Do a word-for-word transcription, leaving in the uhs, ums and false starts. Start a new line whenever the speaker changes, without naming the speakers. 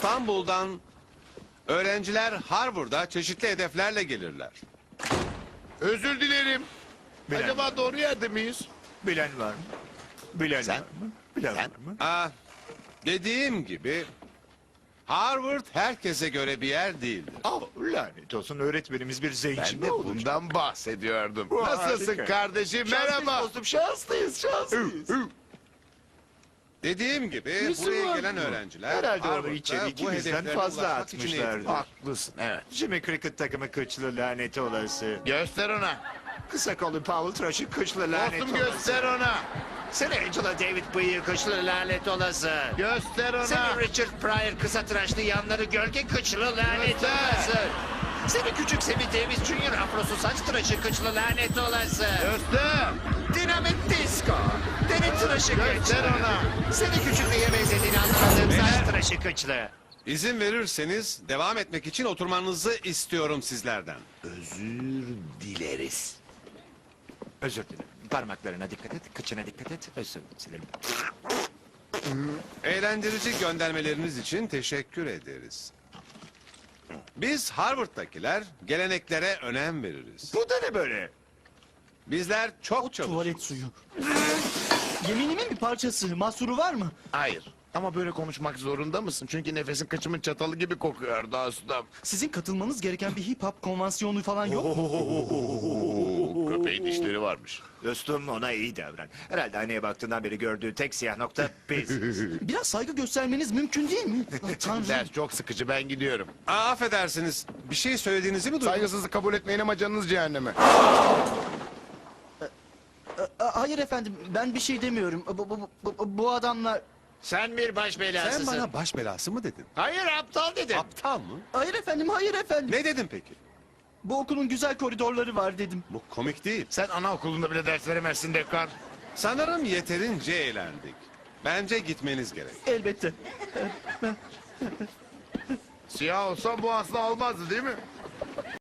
İstanbul'dan öğrenciler Harvard'a çeşitli hedeflerle gelirler.
Özür dilerim.
Bilen
Acaba
var.
doğru yerde miyiz?
Bilen var mı? Bilen
Sen?
var mı? Bilen
Sen?
var mı?
Aa, dediğim gibi Harvard herkese göre bir yer değildir.
Aa, lanet olsun, öğretmenimiz bir
Ben
zenci mi
de
olacak?
bundan bahsediyordum.
Bu
Nasılsın
harika.
kardeşim?
Şanslıyız
Merhaba.
dostum, şanslıyız, şanslıyız.
Dediğim gibi
Nesi
buraya
var
gelen
bunun?
öğrenciler
Herhalde onu
Harvard'da
içeri
bu
ikimizden
hedeflerine
fazla
ulaşmak için
atmışlardır.
eğitimler.
Haklısın, evet.
Jimmy Cricket takımı kıçlı lanet olası.
Göster ona.
Kısa kollu Powell tıraşı kıçlı lanet
Dostum
olası.
göster ona.
Sen Angela David bıyığı kıçlı lanet olası.
Göster ona.
Senin Richard Pryor kısa tıraşlı yanları gölge kıçlı lanet
Göster.
olası. Seni küçük Sammy Davis Junior afrosu saç tıraşı kıçlı lanet olası.
Göster.
Dinamit Disco. Deri tıraşı
Göster
kıçlı.
ona.
Seni küçük neye benzediğini anlamadığım
Beyler.
saç tıraşı kıçlı.
İzin verirseniz devam etmek için oturmanızı istiyorum sizlerden.
Özür dileriz.
Özür dilerim. Parmaklarına dikkat et, kıçına dikkat et. Özür dilerim.
Eğlendirici göndermeleriniz için teşekkür ederiz. Biz Harvard'dakiler geleneklere önem veririz.
Bu da ne böyle?
Bizler çok çalışırız.
Tuvalet suyu. Yeminimin bir parçası. Mahsuru var mı?
Hayır. Ama böyle konuşmak zorunda mısın? Çünkü nefesin kaçımın çatalı gibi kokuyordu ustam.
Sizin katılmanız gereken bir hip hop konvansiyonu falan yok mu?
Köpeğin dişleri varmış.
Dostum, ona iyi davran. Herhalde aynaya baktığından beri gördüğü tek siyah nokta biziz.
Biraz saygı göstermeniz mümkün değil mi? Ah, Tanrım.
Ders çok sıkıcı, ben gidiyorum.
Aa, affedersiniz. Bir şey söylediğinizi mi duydum?
Saygısızlık kabul etmeyin ama canınız cehenneme.
Aa, hayır efendim, ben bir şey demiyorum. Bu, bu, bu, bu adamlar...
Sen bir baş belasısın.
Sen bana baş belası mı dedin?
Hayır, aptal dedim.
Aptal mı?
Hayır efendim, hayır efendim.
Ne dedin peki?
Bu okulun güzel koridorları var dedim.
Bu komik değil.
Sen anaokulunda bile ders veremezsin Dekar.
Sanırım yeterince eğlendik. Bence gitmeniz gerek.
Elbette.
Siyah olsa bu asla olmazdı değil mi?